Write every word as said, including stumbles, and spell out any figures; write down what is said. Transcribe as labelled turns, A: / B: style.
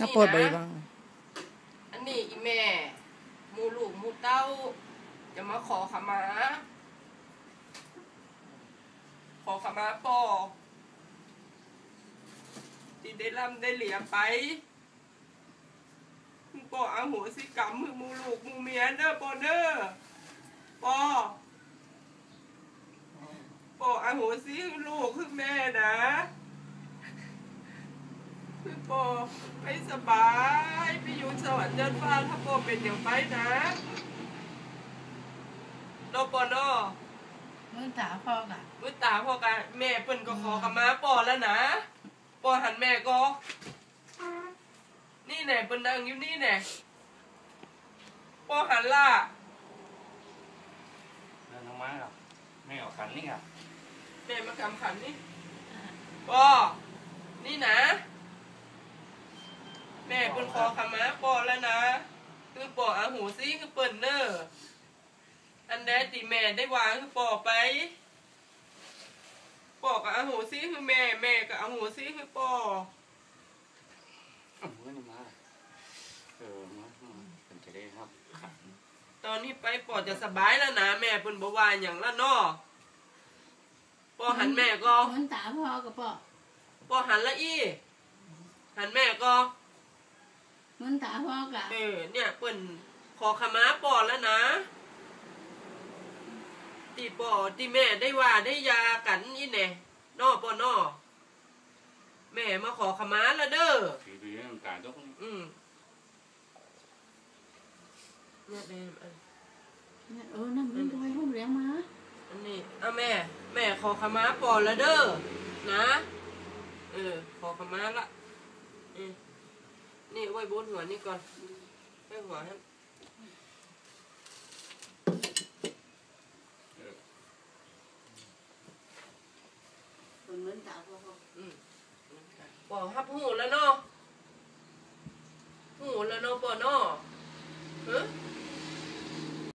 A: ถ้าปวดไปบ้าง
B: อันนี้อีแม่มูลูกมูเต้าจะมาขอขมาขอขมาปอที่ได้ร่ำได้เหลียไปมึงปออาโหสิกรรมมึงมูลูกมูเมียเด้อปอเด้อปอปออาโหสิลูกคือแม่นะคือปอไม่สบายไปอยู่สวรรค์เดินฟ้าถ้าปอเป็นอย่างไปนะโนปอโน
C: มือตาพ่อกะ
B: มือตาพ่อกะแม่เปิ้นก็ขอกับมาปอแล้วนะปอหันแม่ก็นี่แน่เปิ้นนั่งอยู่นี่แน่ปอหันล่ะ
D: เดินทางมาหรอไม่ออกขันนี่อ่ะ
B: แม่มากำขันนี่ปอนี่นะแม่เปิ้นขอขมาปอแล้วนะคือปออาหูซิคือเปิ้นเนออันใดติแม่ได้วางคือปอไปปอกับอาหูซิคือแม่แม่กับอาหูซิคือปอ
D: เออนี่มาเออมาเป็นจะได้ครับขัน
B: ตอนนี้ไปปอจะสบายแล้วนะแม่เปิ้นบ่ว่าหยังละเนาะปอหันแม่ก็
C: มือตาพ่อกับปอ
B: ปอหันละอีหันแม่ก็
C: มือตาพ่อกะ
B: เออเนี่ยเปิ้นขอขมาปอแล้วนะตีปอตีแม่ได้ว่าได้ยากันอีแน่นอปอนอแม่มาขอขมาแล้วเด้อ
D: ผีผีน้ำตาต้อง
B: อืมเนี่ยแม่
C: เออนั่นเป็นรอยห้องเลี้ยงมา
B: อันนี้เอาแม่แม่ขอขมาปอแล้วเด้อนะเออขอขมาละอืมนี่ไว้บนหัวนี่ก่อนไว้หัวให้
C: เหมือนตาพ่อ
B: อืมปอฮับหูแล้วเนาะหูแล้วเนาะปอเนาะ